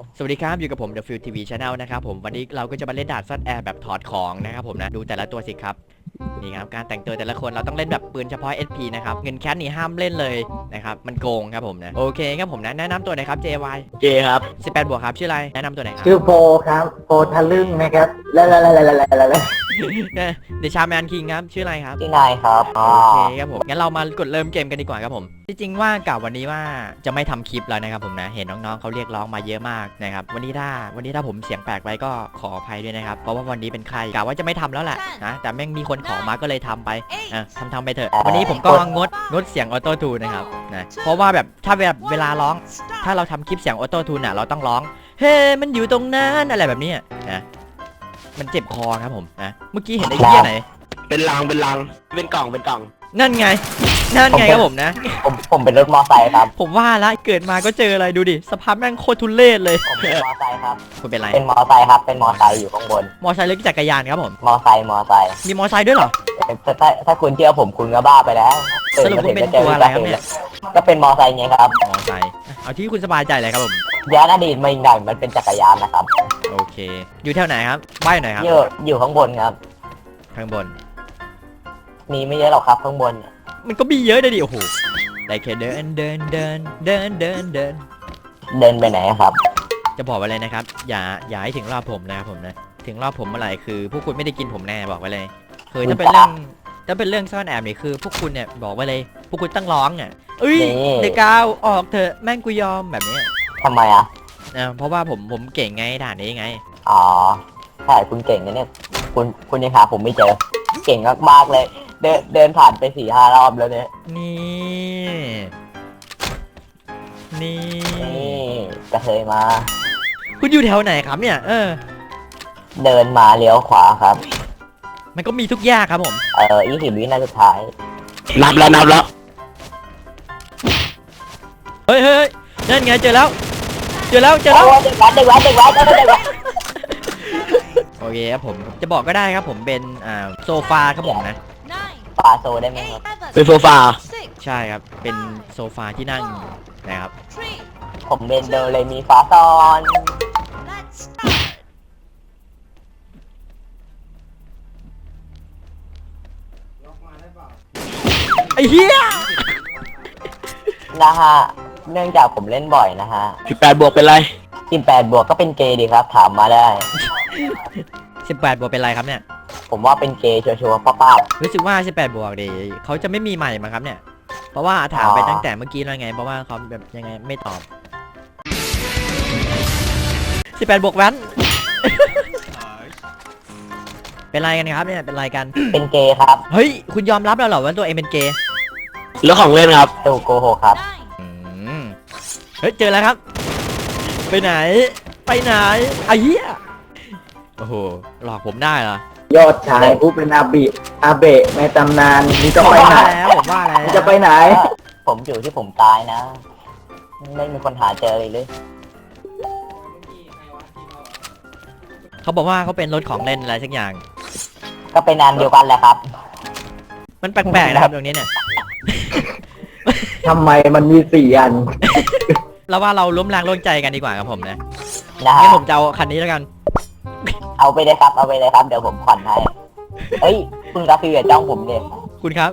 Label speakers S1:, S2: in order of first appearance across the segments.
S1: สวัสดีครับอยู่กับผม The Field TV Channel นะครับผมวันนี้เราก็จะมาเล่นด่านซ่อนแอบแบบถอดของนะครับผมนะดูแต่ละตัวสิครับนี่ครับการแต่งตัวแต่ละคนเราต้องเล่นแบบปืนเฉพาะ SP นะครับเงินแคสนี่ห้ามเล่นเลยนะครับมันโกงครับผมนะโอเคครับผมนะแนะนำตัวหน่อยครับ JY
S2: เจครับ
S1: 18 บวกครับชื่ออะไรแนะนำตัวหน่อยครับ
S3: ชื่อโฟครับโฟทะลึ่งนะครับแล้ว
S1: เดชาแมนคิงครับชื่ออะไรครับ
S2: ชื่อนายครับ
S1: โอเคครับผมงั้นเรามากดเริ่มเกมกันดีกว่าครับผมจริงๆว่ากะวันนี้ว่าจะไม่ทำคลิปแล้วนะครับผมนะเห็นน้องๆเขาเรียกร้องมาเยอะมากนะครับวันนี้ถ้าผมเสียงแปลกไปก็ขออภัยด้วยนะครับเพราะว่าวันนี้เป็นใครกะว่าจะไม่ทำแล้วแหละนะแต่แม่งมีคนขอมาก็เลยทำไปทำไปเถอะวันนี้ผมก็งดเสียงออโต้ทูนนะครับนะเพราะว่าแบบถ้าแบบเวลาร้องถ้าเราทำคลิปเสียงออโต้ทูนเราต้องร้องเฮ้มันอยู่ตรงนั้นอะไรแบบนี้นะมันเจ็บคอครับผมนะเมื่อกี้เห็นไอ้เหี้ยไหน
S2: เป็นลังเป็นกล่อง
S1: นั่นไงครับผมนะ
S2: ผมเป็นรถมอไซค์ครับ
S1: ผมว่าละเกิดมาก็เจออะไรดูดิสภาพแม่งโคตรทุเรศเลย
S2: ผมเป็นมอไซค์ครับ
S1: คุณเป็นไร
S2: เป็นมอไซค์ครับเป็นมอไซค์อยู่ข้างบน
S1: มอไซค์หรือจักรยานครับผม
S2: มอไซค์
S1: มีมอไซค์ด้วยเหรอ
S2: ถ้าคุณเชื่อผมคุณก็บ้าไปแล้ว
S1: สรุปคุณเป็นตัวอะไรครับเนี่ย
S2: ก็เป็นมอไซค์ไงครับ
S1: มอไซค์เอาที่คุณสบายใจเลยครับผม
S2: ย้อนอดีตมาอีกหน่อยมันเป็นจักรยานนะครับ
S1: โอเคอยู่แถวไหนครับบ้านไหนครับ
S2: อยู่ข้างบนครับ
S1: ข้างบน
S2: มีไม่เยอะหรอกครับข้างบน
S1: มันก็มีเยอะเลยดิโอ้โหได้แค่เดิน
S2: ไปไหนครับ
S1: จะบอกไว้เลยนะครับอย่าให้ถึงรอบผมนะครับผมนะถึงรอบผมเมื่อไหร่คือพวกคุณไม่ได้กินผมแน่บอกไว้เลยคือถ้าเป็นเรื่องซ่อนแอบนี่คือพวกคุณเนี่ยบอกไว้เลยพวกคุณตั้งร้องอ่ะเอ้ยเด็กกาวออกเถอะแม่งกูยอมแบบนี้
S2: ทำไมอ่ะ
S1: เพราะว่าผมเก่งไงด่านนี้ไง
S2: อ๋อใช่คุณเก่งนะเนี่ยคุณยังหาผมไม่เจอเก่งมากๆเลยเดินผ่านไป4-5 รอบแล้วเนี่ย
S1: นี่
S2: ก็เคยมา
S1: คุณอยู่แถวไหนครับเนี่ย
S2: เดินมาเลี้ยวขวาครับ
S1: มันก็มีทุกอย่างครับผม
S2: 20 วินาทีสุดท้ายนับแล้ว
S1: เฮ้ยนั่นไงเจอแล้วเด็กแว้นโอเคครับผมจะบอกก็ได้ครับผมเป็นโซฟาครับผมนะ
S2: ฟาโซได้ไหมครับ
S1: เป็นโซฟาใช่ครับเป็นโซฟาที่นั่งนะครับ
S2: ผมเป็นโดเรมีฟาซอน
S1: ไอ้เหี้ย
S2: นะฮะเนื่องจากผมเล่นบ่อยนะฮะ
S1: 18 บวกเป็นไร
S2: 18 บวกก็เป็นเกย์ดีครับถามมาได้
S1: 18 บวกเป็นไรครับเนี่ย
S2: ผมว่าเป็นเกย์ชัวร์ๆป้า
S1: รู้สึกว่า18 บวกดีเขาจะไม่มีใหม่มาครับเนี่ยเพราะว่าถามไปตั้งแต่เมื่อกี้แล้วไงเพราะว่าเขาแบบยังไงไม่ตอบ18 บวกแว้นเป็นไรกันครับเนี่ยเป็นไรกัน
S2: เป็นเกย์ครับ
S1: เฮ้ยคุณยอมรับแล้วเหรอว่าตัวเองเป็นเกย์
S2: เรื่องของเล่นครับตูโกหกครับ
S1: เฮ้ยเจอแล้วครับไปไหนไอ้เหี้ยโอ้โหหลอกผมได้เหรอย
S3: อดชายผู้เป็นอาเบะในตำนานนี่จะไปไหน
S1: ผมว่าแล้ว
S3: จะไปไหน
S2: ผมอยู่ที่ผมตายนะไม่มีคนหาเจอเลย
S1: เขาบอกว่าเขาเป็นรถของเล่นอะไรสักอย่าง
S2: ก็เป็นอันเดียวกันแหละครับ
S1: มันแปลกๆนะครับตรงนี้เนี่ย
S3: ทำไมมันมี4 อัน
S1: เราว่าเราล้มแรงร่วมใจกันดีกว่าครับผมนะงั้นผมจะเอาคันนี้แล้วกัน
S2: เอาไปเลยครับเดี๋ยวผมผ่อนให้เฮ้ยคุณกาฟิวอย่าจ้องผมเลย
S1: คุณครับ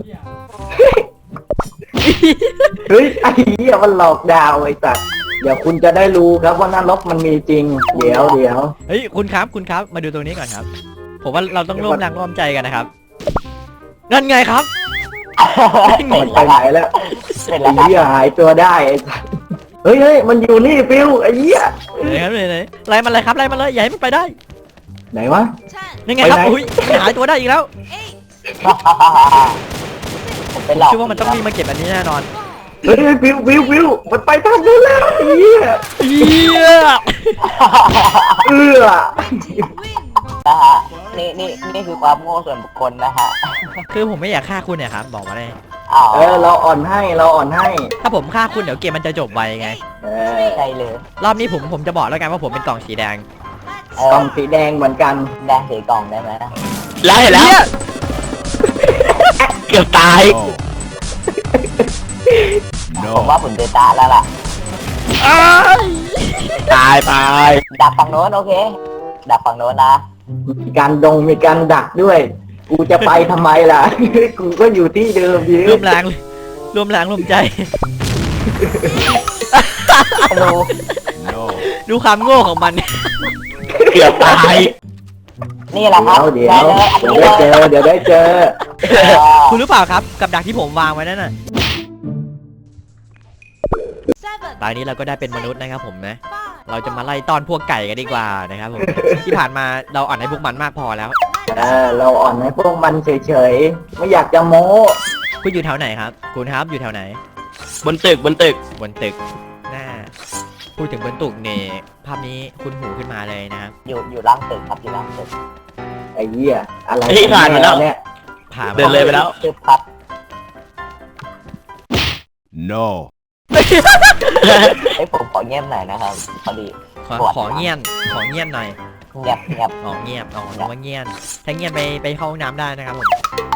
S3: เฮ้ยไอ้เหี้ยมันหลอกดาวไอ้สัสเดี๋ยวคุณจะได้รู้ครับว่านรกมันมีจริงเดี๋ยว
S1: เฮ้ยคุณครับมาดูตรงนี้ก่อนครับผมว่าเราต้องร่วมแรงร่วมใจกันนะครับนั่นไงครับ
S3: ไปไหนแล้วไอ้เหี้ยหายตัวได้ไอ้สัสเฮ้ยมันอยู่นี่ฟิวไอ้เหี้ย
S1: ไหนครับไหนไล่มันเลยครับไล่มันเลยอย่าให้มันไปได้
S3: ไหนวะ
S1: นี่ไงครับอุ้ยหายตัวได้อีกแล้วเชื่อว่ามันต้องมีมาเก็บอันนี้แน่นอน
S3: เฮ้ยฟิวมันไปทางนู้นแล้วไอ้เหี้ย
S2: นะฮะนี่คือความโง่ส่วนบุคคลนะฮะ
S1: คือผมไม่อยากฆ่าคุณเนี่ยครับบอกมาเลย
S3: เราอ่อนให้
S1: ถ้าผมฆ่าคุณเดี๋ยวเกมมันจะจบไวไง
S2: ใช่เลย
S1: รอบนี้ผมจะบอกแล้วกันว่าผมเป็นกล่องสีแดง
S3: กล่องสีแดงเหมือนกัน
S2: แดงสีกล่องได้ไหม
S1: แล้วเห็นแล้วเกือบตาย
S2: ผมว่าผมจะตายแล้วล่ะ
S1: อ้าย
S4: ตายตาย
S2: ดักฝั่งโน้นโอเคดักฝั่งโน้นนะ
S3: มีการดักด้วย กูจะไปทำไมล่ะ กูก็อยู่ที่เดิมดี
S1: ร่วมแรงร่วมแรงร่วมใจ
S2: ดู
S1: ดูความโง่ของมัน
S4: เกือบตาย
S2: นี่แหละครับ
S3: เดี๋ยว
S2: ได้เลยอัน
S3: เดี๋
S2: นี้
S3: ยว
S2: เล
S3: ได้
S2: ย
S3: เจอเดี๋ยวได้เจอ
S1: คุณรู้เปล่าครับกับดักที่ผมวางไว้นั่นน่ะตอนนี้เราก็ได้เป็นมนุษย์นะครับผมนะ เราจะมาไล่ต้อนพวกไก่กันดีกว่านะครับผม ที่ผ่านมาเราอ่อนให้พวกมันมากพอแล้ว
S3: เราอ่อนให้พวกมันเฉยๆ ไม่อยากจะโม้
S1: คุณอยู่แถวไหนครับ คุณครับอยู่แถวไหน
S4: บนตึกบนตึก
S1: บนตึกหน้าพูดถึงบนตึกเนี่ยภาพนี้คุณหูขึ้นมาเลยนะครับ
S2: อยู่ล่างตึกครับอยู่ล่างตึก
S3: ไอ้เหี้ยอะไร
S4: เฮ้ยผ่านมาแล้ว
S3: เนี่ย
S1: ผ่า
S4: เดินเลยไปแล้ว
S2: ตึกครับ
S5: No.
S2: ไอ้ยผมขอเงียบหน่อยนะครับพอดี
S1: ขอเงียนหน่อย
S2: เงียบเงียบ
S1: อ๋อเงียบอ๋อนึกว่าเงียนถ้าเงียนไปเข้าห้องน้ำได้นะครับผม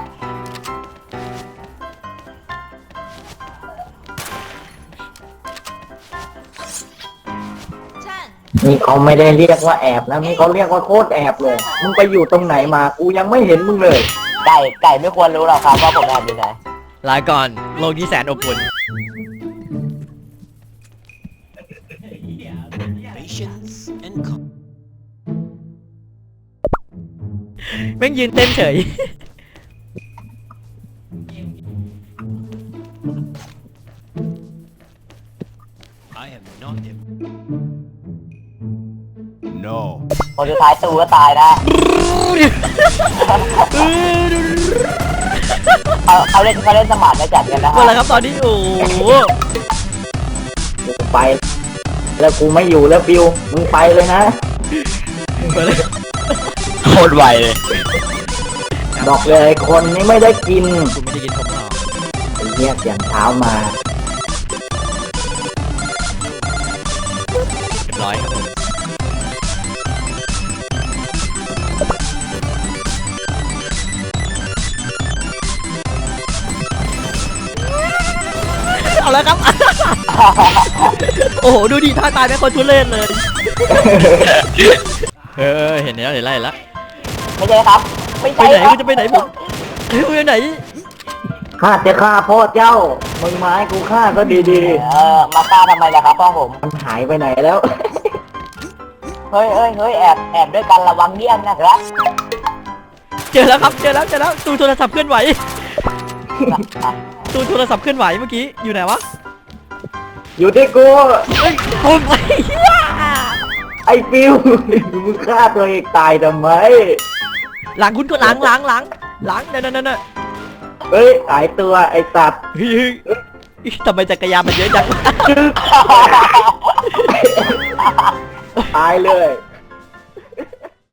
S3: นี่เขาไม่ได้เรียกว่าแอบนะนี่เขาเรียกว่าโคตรแอบเลย มึงไปอยู่ตรงไหนมา กูยังไม่เห็นมึงเลย
S2: ไก่ไม่ควรรู้หรอกครับว่าผมแอบอยู่ไหน
S1: ลาก่อนโลกที่แสนอบอุ่น แม่งยืนเต้นเฉย
S5: No.
S2: คนสุดท้ายตูก็ตายนะเขาเล่นสมาร์ทไม่จัดกันนะ
S1: หมดแล้วครับตอนนี้โอ้โห
S3: กูไป แล้วกูไม่อยู่แล้วบิว มึงไปเลยนะ
S1: หมดแล้ว
S4: โคตรไวเลย
S3: บอกเลยคนนี้ไม่ได้กิน
S1: คุณไม่ได้กินผมหรอก
S3: ไอ้เหี้ยเสียงเท้ามา
S1: เรียบร้อยครับผมเอาแล้วครับ โอ้โหดูดิท่าตายเป็นคนทุเรศเลยเห็นแล้วเห็นแล้ว
S2: ไม่ใช่ครับ ไม่
S1: ไป
S2: ใช่
S1: ไหน
S2: ครับ
S1: คุณจะไปไหนผมคุณไปไหน
S3: ข้าจะฆ่าพ่อเจ้า มึงมาให้กูฆ่าก็ดี
S2: มาฆ่าทำไมล่ะครับพ่อผม
S3: ๆ มันหายไปไหนแล้ว
S2: เฮ้ยแอบด้วยกันระวังเยี่ยมนะครับ
S1: เจอแล้วครับเจอแล้วตูโทรศัพท์เคลื่อนไหวตูโทรศัพท์เคลื่อนไหวเมื่อกี้อยู่ไหนวะ
S3: อยู่ที่กู
S1: เฮ้ยผม
S3: ไอ้ฟิว มึงฆ่าตัวเองตายทำไม
S1: หลังคุณก็หลังนั่น
S3: เฮ้ยหายตัวไอ้สัตว์
S1: เฮ้ยทำไมจักรยานมันเยอะจัง
S3: ตายเลย